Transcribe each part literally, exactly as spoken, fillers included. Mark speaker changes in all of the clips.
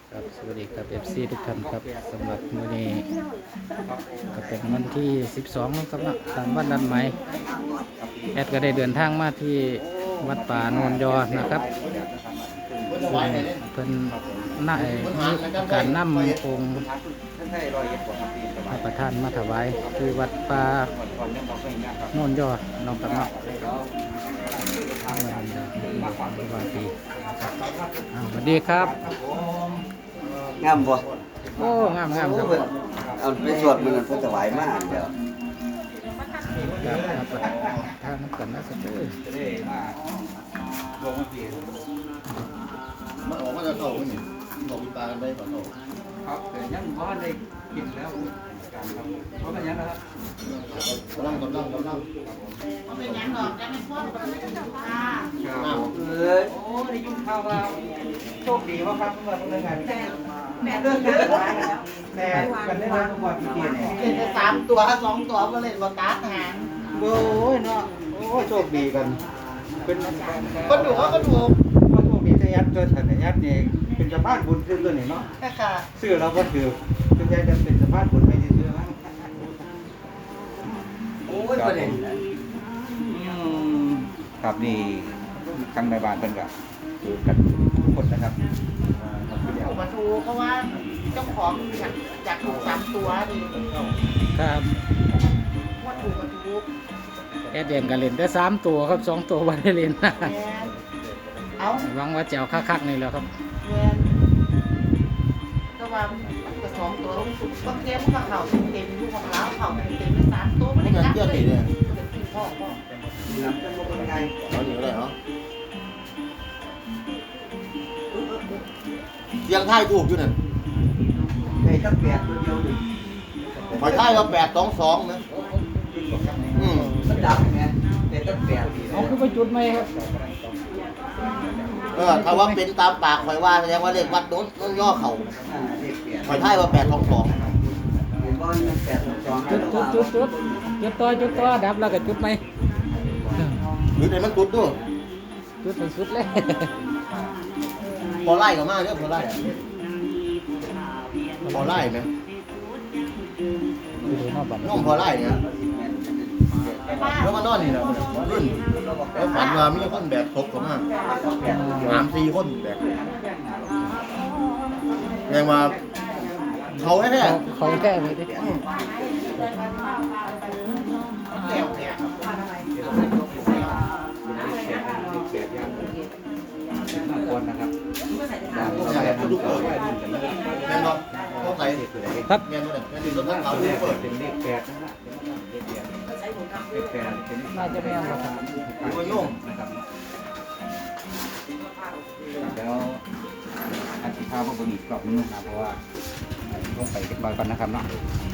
Speaker 1: ครับสวัสดีครับ เอฟ ซี ทุกท่านครับสำหรับมื้อนี้ก็เป็นวันที่สิบสองนะครับนะตามวันนัดหมายแอดก็ได้เดินทางมาที่วัดป่าโนนยอนะครับซึ่งเพิ่นน่ามีการนำองค์พระประธานมาถวายที่วัดป่าโนนยอน้องกับน้องสวัสดีครับ
Speaker 2: งามบ่
Speaker 1: โอ้งามงามครับ
Speaker 2: เพิ่นเอาไปสวดมันเพิ่นถวายมาเดี๋ยว
Speaker 1: ครับครับทางน้ำกันนะสักครู่
Speaker 3: มันออกมาจะเข้าไปนี่ออกตากันได้ก่อนเข้า
Speaker 4: ครับแต่ยังบ่ได้กินแล้วการครับเพราะเป็นยังนะครับ
Speaker 3: กำลังกำลังกำลัง
Speaker 5: เป็นยังดอกยังไม่พ้นค่ะ
Speaker 4: เออโอ้ได้ยินข่าวว่าโชคดีว่าครับเมื่อเมื่อไงแต่แต่เรื่องเกิดแต่กันได้มาทุกวันที่เกียรเนี่ย
Speaker 5: เป็นไปสามตัวสองตัวก็เลยบอกการหาง
Speaker 4: โอ้ยเนาะโอ้โชคดีกัน เป็น
Speaker 5: ก็ดูว่าก็ถูก
Speaker 4: ว่าโชคดีจะยัดตัวฉันเนี่ยยัดเนี่ยเป็นสะพานบุญขึ้นตัวนี่เนาะ
Speaker 5: แค่ค่ะ
Speaker 4: ซื้อเราก็ถือเป็นใจจะเป็นสะพานบุญไม่ได้ซื้อมั้ง
Speaker 2: โอ้ยประเด็น
Speaker 4: ครับนี่ทางในบ้านเป็นกับคือกันทุกคนนะครับ
Speaker 5: ถูกมาถูกเพราะว่าเจ้าของอยากอยากถูกสามตัวดิ
Speaker 1: ครับ
Speaker 5: ว่าถูกมาถูก
Speaker 1: แอดเดียนกันเล่นได้สามตัวครับสองตัววันได้เล่น
Speaker 5: แมนเอา
Speaker 1: หวังว่าจะเอาคักๆนี่แหล้วครับ
Speaker 5: แมนก็ว่ามันก็สองตัวสุดก็เต็มก็เข่าเต็มลูกของเราเข่าเต็มไปสามตัวไม่ได้จับเลยเป็นพ่อพ่อ
Speaker 4: น้ำจะลงยังไง
Speaker 3: เอาอยู่ได้เหรอเสียงไทายถูกอยู่นั่น
Speaker 4: ไอ้ตั้งแปดตัวเดียวดิ
Speaker 3: หอยไทายว่าแปดสองสองนะอืม
Speaker 4: มันดับไงแต่ตั้งแปดดี
Speaker 1: เอาคือไปจุดไหมครับ
Speaker 3: เออถ้าว่าเป็นตามปากหอยว่าแสดงว่าเลขวัดโน้นต้องย่อเข่า
Speaker 4: เลขแปด
Speaker 3: หอยไทายว่าแปดสองสอง
Speaker 4: เห็นว่ามันแปดสองสอง
Speaker 1: จุดจุดจุดจุดจุดต่อจุดต่อดับแล้วก็จุดไหม
Speaker 3: หรือในมันตุดด้วย
Speaker 1: จุดไปสุดเลย
Speaker 3: พอไล่กับมาเรียกพอไล่พอไล่ไหม
Speaker 1: ดูดูนอกบ้าน
Speaker 3: น้องพอไล่เนี่ยแล้วมานอนนี่นะรุ่นแล้วฝันว่ามีคนแบกศพเข้ามาสามสี่คนแบกแรงมาเขาแท้
Speaker 1: เขาเขาแก้ไปดิ
Speaker 3: ๆอืม
Speaker 5: แก้วแก้ว
Speaker 4: คนนะครับ
Speaker 3: ใช่ทุกคนแม่นบอต้องใส่
Speaker 1: ครับ
Speaker 3: แม่นบอเนี่ยแม่นดินรถทั้งเขาทุกเปิด
Speaker 4: เป็นเลขแปดนะเลขแปดเป็น
Speaker 1: น่าจะไม่เอาครับ
Speaker 3: ดูไปโยุ่ง
Speaker 4: นะครับแล้วอาทิตย์ข้าวพวกบุญอีกกรอบนึงนะเพราะว่าต้องไปเก็บบางกันนะครับเนาะ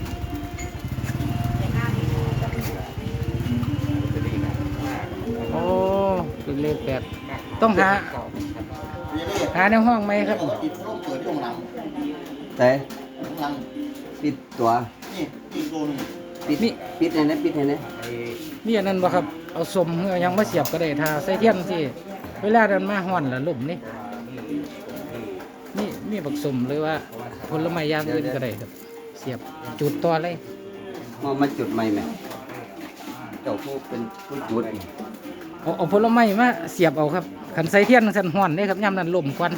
Speaker 1: โอ้เป็นเลขแปดต้องหา
Speaker 3: นี่นี่
Speaker 1: หาในห้องไหมครับ
Speaker 3: ติดร่มเกิดช่วงหลัง
Speaker 2: แต่
Speaker 3: ช่วงหลัง
Speaker 2: ปิดตัว
Speaker 3: นี่อีกตัวหนึง
Speaker 2: ปิดปิดให้นะปิดให้นะ
Speaker 1: นี่อันนั้นบ่ครับเอาสมเอายังมาเสียบก็ได้ถ้าใส่เทียนสิเวลาเดินมาห่อนละลุ่มนี่นี่มีบักสมหรือว่าผลไม้อย่างอื่นก็ได้ครับ เสียบจุดต่อเลย
Speaker 2: มามาจุดใหม่แม่เจ้าผู้เป็นผู้จุด
Speaker 1: เอาเอาผลไม้มาเสียบเอาครับขันใส่เทียนสันห่อนนี่ครับย่ำนั้นลมควัน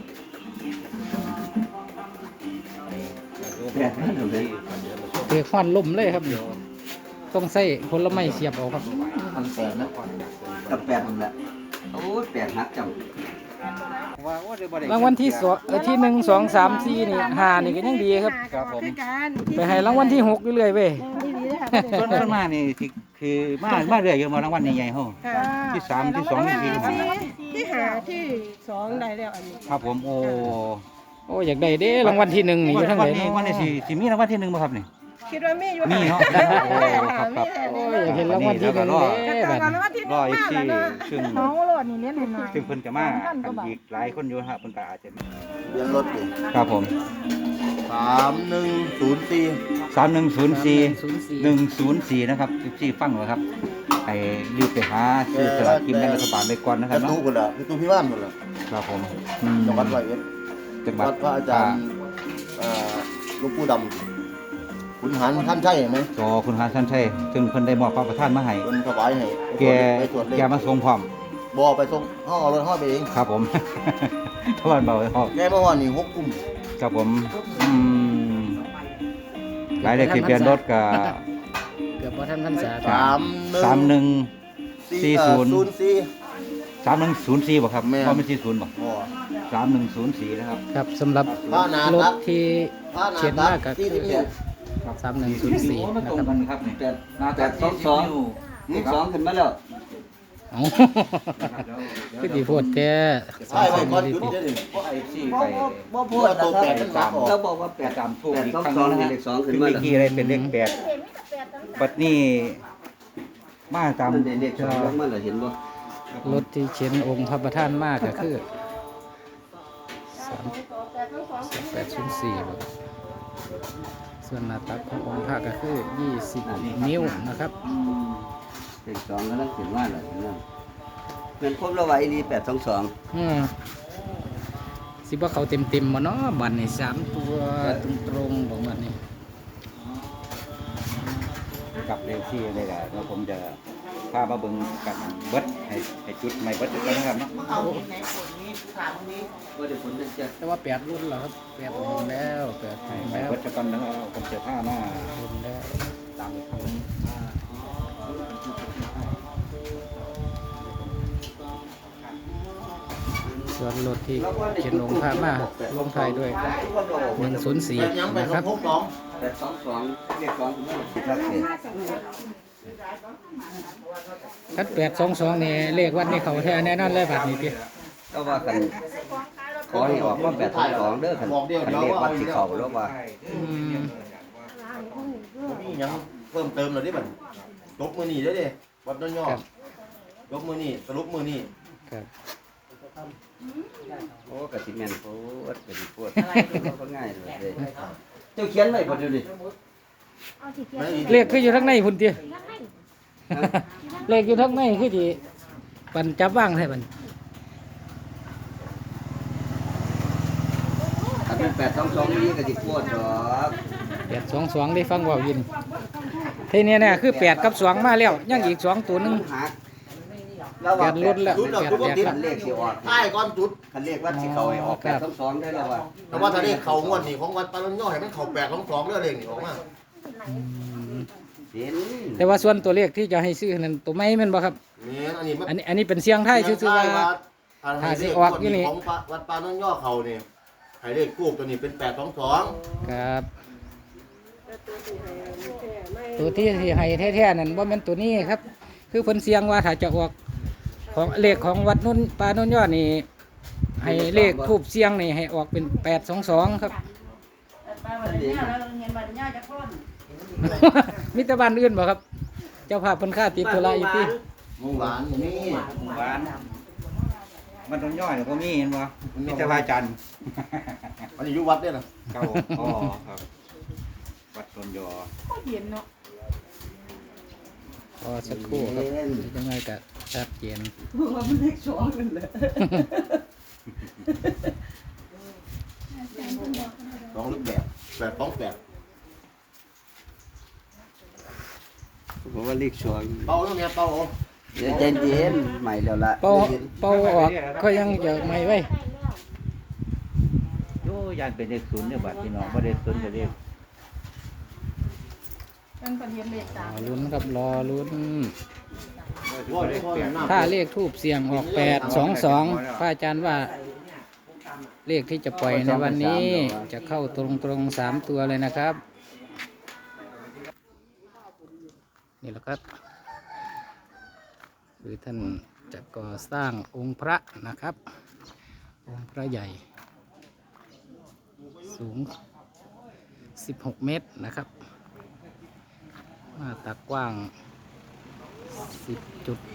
Speaker 2: แปดนั่นเลย
Speaker 1: เถือห่อนลมเลยครับนี่ต้องใส่ผลไม้เสียบเอาครับ
Speaker 3: พันแปดนะ
Speaker 2: กับแปดนั่นแหละโอ้ยแปดหักจัง
Speaker 1: รางวัลที่สองเอ่อที่หนึ่งสองสามสี่นี่ห้านี่ก็ยังดีครับ
Speaker 4: ครับผม
Speaker 1: ไปให้รางวัลที่หกเรื่อยๆเว้ย
Speaker 4: ส่วนส่วนมากนี่ที่คือมามาเรื่อยอยู่มารางวัลใหญ่ๆเฮาที่สามที่สองที่สี่ที่ห้า
Speaker 6: ที่หาที่สองได้แล้วอันนี้
Speaker 4: ครับผมโอ้
Speaker 1: โอ้อยากได้เด้รางวัลที่หนึ่งนี่อยู่ทั้งไหน
Speaker 4: วันนี้วันนี้สิสิมีรางวัลที่หนึ่งบ่ครับนี่
Speaker 6: คิดว่ามีอยู่
Speaker 4: มีเนาะโอ้ครับครับ
Speaker 1: โอ้ยอยากเห็นรางวัลที่หนึ่งเด้
Speaker 6: แต่
Speaker 1: บัด
Speaker 6: ก่อน
Speaker 1: นี้
Speaker 6: ว่าที่
Speaker 4: รออี
Speaker 6: มาก
Speaker 4: ที่
Speaker 6: แล้วนะ
Speaker 4: ซึ่ง
Speaker 6: น้องโหลดนี่เลี้ยงหน่อย
Speaker 4: ซึ่งเพิ่นจะมากันอีกหลายคนอยู่ครับเพิ่นก็อาจจะ
Speaker 3: เรียนรถดิ
Speaker 4: ครับผม
Speaker 3: สามหนึ่งศูนย์สี่
Speaker 4: สามหนึ่งศูนย์สี่
Speaker 1: ศูนย์สี่
Speaker 4: หนึ่งศูนย์สี่นะครับสิบสี่ฟังเหรอครับให้รีบไปหาซื้อสลากกินแบ่งรัฐบาลไปก่อนนะค
Speaker 3: ก
Speaker 4: รั
Speaker 3: ระ
Speaker 4: บเนาะ
Speaker 3: ตู้กันละกระตู้พี่บ้านกันละ
Speaker 4: ครับผม
Speaker 1: อืม
Speaker 3: จังหวัดร้อยเอ็ด
Speaker 7: จังหวั
Speaker 3: วั
Speaker 7: ด
Speaker 3: ดพระอาจารย์เอ่อหลวงปู่ดำขุนหันท่านใช่ไหม
Speaker 7: จอคุณหาชันชัยซึ่งเพิ่นได้มอบพระประทานมาให้
Speaker 3: เพิ่นถวายให้
Speaker 7: แก
Speaker 3: ไปตรวจเล
Speaker 7: แก
Speaker 3: ข
Speaker 7: มาส่งพร้อม
Speaker 3: บ่ไปส่งห้องเอารถห้องไปเอง
Speaker 7: ครับผม ทวันเบาเลยครับ
Speaker 3: แกเมื่อวานนี่หกกุม
Speaker 7: ครับผมอืมหลายเลขทะเบียนรถก็
Speaker 1: เกือบพอท่านพรรษา
Speaker 3: สามหนึ่ง
Speaker 7: สามหนึ่ง สี่ศูนย์
Speaker 3: ศูนย์สี่
Speaker 7: สามหนึ่งศูนย์สี่บ่ครับ
Speaker 3: แม่น
Speaker 7: เพราะไม่ใช่ศูนย์บ่
Speaker 3: บ่
Speaker 7: สามหนึ่งศูนย์สี่นะครับ
Speaker 1: ครับสำหรับ
Speaker 3: พระนา
Speaker 1: ร
Speaker 3: ตั
Speaker 1: ถ
Speaker 3: ก
Speaker 1: ที่
Speaker 3: พระนา
Speaker 1: เขียน
Speaker 3: ตั
Speaker 1: มาก ก็
Speaker 3: ที่
Speaker 1: คื
Speaker 3: ที่
Speaker 1: อ
Speaker 3: นี่
Speaker 1: สามหนึ่งศูนย์สี่นะ
Speaker 7: ตร
Speaker 1: ค
Speaker 7: ง
Speaker 1: รับ
Speaker 7: กันครับนี่
Speaker 2: แปดแปดสองสองเลขสองขึ้นมาแล้ว
Speaker 1: เอ้าคือดีโพดแกสอ
Speaker 3: ใช่
Speaker 1: ง
Speaker 3: ไป
Speaker 1: สอง
Speaker 3: ก่อน
Speaker 1: ดี
Speaker 3: จุด
Speaker 1: ติ
Speaker 3: เดี๋ยวนี้
Speaker 7: เพราะไอ้ซี่
Speaker 2: บ่
Speaker 7: ไป
Speaker 2: บ่บ่พูด
Speaker 3: ว่าตัวแปดมันหนักออก
Speaker 2: เราบอกว่าแป
Speaker 7: แป
Speaker 2: ด
Speaker 7: ดตามทูบ
Speaker 2: แปด
Speaker 7: อีก
Speaker 2: สอง
Speaker 7: ครั้ง
Speaker 2: สอง
Speaker 7: นะฮะ
Speaker 2: เลขสองขึ้น
Speaker 7: คือ
Speaker 2: มา
Speaker 7: เมื่อ
Speaker 2: แล้ว
Speaker 7: กี้อะไรเป็นเลขแปดบัดนี้มาตาม
Speaker 2: มันได้เลขสองลงมาแล้วเห็นบ่
Speaker 1: รถที่เขียนองค์พระประธานมากก็คือสามแปดศูนย์สี่ส่วนหน้าตักขององค์พระก็คือยี่สิบนิ้วนะครับ
Speaker 2: เลขสองกำลังขึ้นมาแล้วนั่นเป็นครบแล้วว่าอีนี่แปดสองสอง
Speaker 1: อืมสิว่าเขาเต็มเต็มๆมาเนาะบัตรนี่สามตัวตรงๆของบัตรนี่
Speaker 7: กับเลขที่อะไรล่ะแล้วผมจะพามาเบิ่งกันเบิดให้ให้จุดใหม่เบิดกันนะครับเนาะ
Speaker 5: เอาที่ไหนฝนนี้ถามนี้
Speaker 2: บ่ได้ผลจังซี่
Speaker 1: แต่ว่าแปดรุ่นแล้วครับแปดรุ่นแล้วแปด
Speaker 7: ให้
Speaker 1: รุ่น
Speaker 7: ใหม่
Speaker 1: แล้ว
Speaker 7: เบิดกันนะครับผมจะพามา
Speaker 1: รุ่นแล้ว
Speaker 7: ตามผม
Speaker 1: ส่วนรถที่เขียนองค์พระมาลงท้ายด้วยหนึ่งศูนย์สี่
Speaker 3: แปดยังไป
Speaker 1: นะ
Speaker 3: ส
Speaker 1: ค
Speaker 3: อ
Speaker 1: รั
Speaker 3: ง
Speaker 1: บ
Speaker 3: หกสอง
Speaker 2: แปดสองสองเลขสองขึ้นมาสิครับเสีย
Speaker 1: คัดแปดสองสองนี่เลขวัดนี่เขาแท้แน่นอนเลยบัตรนี่พี่
Speaker 2: ก็ว่ากันขอให้ออกว่าแปดสองสองเด้อคันคันเลขวัดสิเข้าแล้วว่า
Speaker 1: อืม
Speaker 3: นี่ยังเพิ่มเติมเลยดิบัดยกมือนี่เด้อเด้วัดน้อยย่อ
Speaker 1: ครับ
Speaker 3: ยกมือนี่สรุปมือนี่
Speaker 1: ครับ
Speaker 2: โอ้กะสิแม่นโพดกะสิโพดก็ง่ายเลยเด้เจ้าเขียนไว้บ่ดูดิ
Speaker 1: เลขคืออยู่ทั้งในพุ่นเตี้ยเลขอยู่ทั้งในคือที่ปันจับว่างใช่ปัน
Speaker 2: ถ้าเป็นแปดสองสองนี่กะสิโพดดอก
Speaker 1: แปดสองสองได้ฟังเว่ายินทีนี้เนี่ยคือแปดกับสองมาแล้วยังอีกสองตัวหนึง
Speaker 2: หักแล้ว
Speaker 1: แป
Speaker 2: ว่า
Speaker 1: ดรุ่นแล้ว
Speaker 3: จุดเรา
Speaker 1: แปด
Speaker 3: จุด
Speaker 1: แป
Speaker 3: ก็
Speaker 1: ด
Speaker 3: ติด
Speaker 1: แล้ว
Speaker 2: คันเลขสิออก
Speaker 3: ใต้ก้อนจุด
Speaker 2: คันเลขวัดสิเข้าให้ออก
Speaker 1: ค
Speaker 2: แป
Speaker 1: รั
Speaker 2: ด
Speaker 1: บ
Speaker 2: สองสองได้แล้วว่า
Speaker 3: แต่ว่าถ้าเลขเขางวดนี่ของวัดปาน้อยย่อให้มันเขาแปดสองสองเด้อเลขนี่ออกมา
Speaker 1: อืม
Speaker 2: เห็น
Speaker 1: แต่ว่าส่วนตัวเลขที่จะให้ซื้อนั้นตัวไม่แม่นบ่ครับ
Speaker 3: นี่อันนี้มัน
Speaker 1: อันนี้อันนี้เป็นเสียงไทยซื่อๆว่า ถ้าสิออกอยู่นี่
Speaker 3: ของวัดปาน้อยย่อเขานี่ให้เลขกู้ตัวนี้เป็นแปดสองสอง
Speaker 1: ครับตัวที่ที่ให้แท้ๆนั่นว่ามันตัวนี้ครับ คือเพิ่นเสียงว่าถ้าจะออกของเลขของวัดนุ่นปานุ่นยอดนี่ให้เลขทูบเสียงนี่ให้ออกเป็นแปดสองสองครับ
Speaker 5: ป้าวันนี้แล้วเงินวันนี้จะพ้น
Speaker 1: มิตรบ้านอื่นบ่ครับ เจ้าภาพเพิ่นค่าติดธุระอยู่ที่
Speaker 3: หมูหวานนี่
Speaker 7: หวานมันต้องย่อยหรือบ่มีเห็นบ่มีแต่พระอาจารย์
Speaker 3: อันนี้อยู่วัดเนี่ยนะ
Speaker 7: ครับผมอ๋อครับวัดต้นยอ
Speaker 6: เย็นเนาะ
Speaker 1: พอสักครู่ครับยังไงก็ชัดเจน
Speaker 6: ว่ามันเลขสองนั่นแหละ
Speaker 3: สองลึกแบบแปดสองแปด
Speaker 2: ผมว่าเลขสอง
Speaker 3: เป่าแล้วเนี่ยเป่าเอา
Speaker 2: เดี๋ยวใจเย็นใหม่แล้วล่ะ
Speaker 1: เป่าเป่าออกก็ยังจะไม่ไว้
Speaker 7: โอ้ยานเป็นเลขศูนย์เนี่ยบัดพี่น้องบ่ได้ศูนย์ก็เลข
Speaker 6: เป็นประเด็นเลข
Speaker 1: ร
Speaker 6: สา
Speaker 1: อ
Speaker 6: ม
Speaker 1: ลุ้นครับรอลุ้น
Speaker 3: ว่าเดี๋ยวพ่อหน้า
Speaker 1: ถ้าเลขทูบเสียงออกแปดสองสองพระอาจารย์ว่า เลขที่จะปล่อยในวันนี้จะเข้าตรงตรงๆสามตัวเลยนะครับ นี่แหละครับ คือท่านจะก่อสร้างองค์พระนะครับ องค์พระใหญ่ สูงสิบหกเมตรนะครับหน้าตักกว้างสิบจุด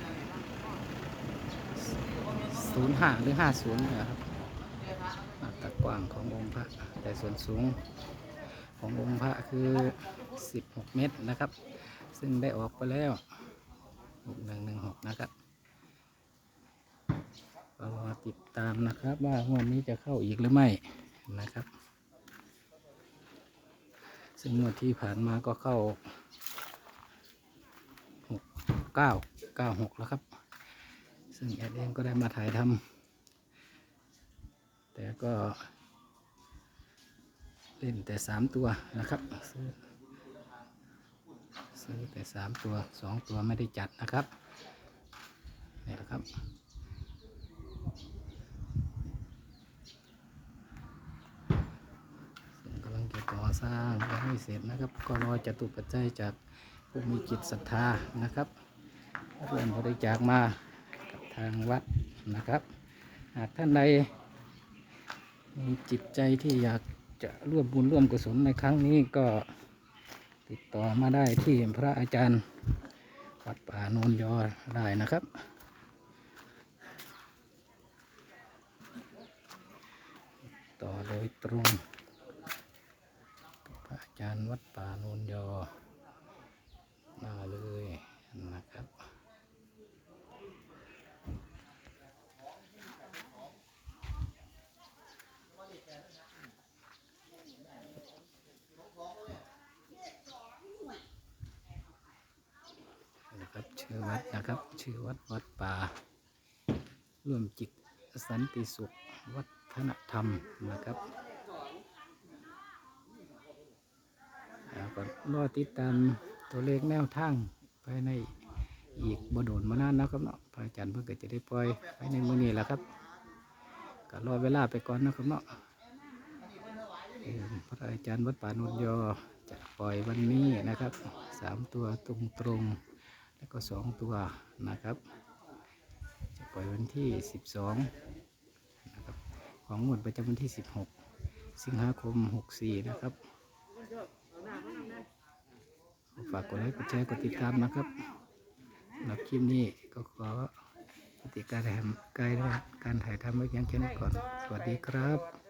Speaker 1: ศูนย์ห้าหรือห้าศูนย์นะครับหน้าตักกว้างขององค์พระแต่ส่วนสูงขององค์พระคือสิบหกเมตรนะครับ ซึ่งได้ออกไปแล้วหกหนึ่งหนึ่งหกนะครับก็รอติดตามนะครับว่างวดนี้จะเข้าอีกหรือไม่นะครับ ซึ่งงวดที่ผ่านมาก็เข้าหกเก้าเก้าหกแล้วครับ ซึ่งแอดเองก็ได้มาถ่ายทำแต่ก็เล่นแต่สามตัวนะครับซื้อซื้อแต่สามตัวสองตัวไม่ได้จัดนะครับนี่แหละครับซึ่งกำลังจะก่อสร้างยังไม่เสร็จนะครับก็รอจตุปัจจัยจากผู้มีจิตศรัทธานะครับเริ่มบริจาคมากับทางวัดนะครับหากท่านใดมีจิตใจที่อยากจะร่วมบุญร่วมกุศลในครั้งนี้ก็ติดต่อมาได้ที่พระอาจารย์วัดป่าโนนยอได้นะครับต่อโดยตรงกับพระอาจารย์วัดป่าโนนยอมาเลยนะครับนะครับชื่อวัดนะครับชื่อวัดวัดป่าร่วมจิตสันติสุขวัฒนธรรมนะครับแล้วก็รอติดตามตัวเลขแนวทางภายในอีกบ่โดนมานานนะครับเนาะพระอาจารย์เพิ่งจะได้ปล่อยภายในมื้อนี้แหละครับก็รอเวลาไปก่อนนะครับเนาะพระอาจารย์วัดป่าโนนยอจะปล่อยวันนี้นะครับสามตัวตรงตรงแล้วก็สองตัวนะครับจะปล่อยวันที่สิบสองนะครับของงวดประจำวันที่สิบหกสิงหาคมหกสี่นะครับฝากกดไลค์กดแชร์กดติดตามนะครับสำหรับคลิปนี้ก็ขอปฏิการถ่ายทำการถ่ายทำไว้เพียงแค่นี้ก่อนสวัสดีครับ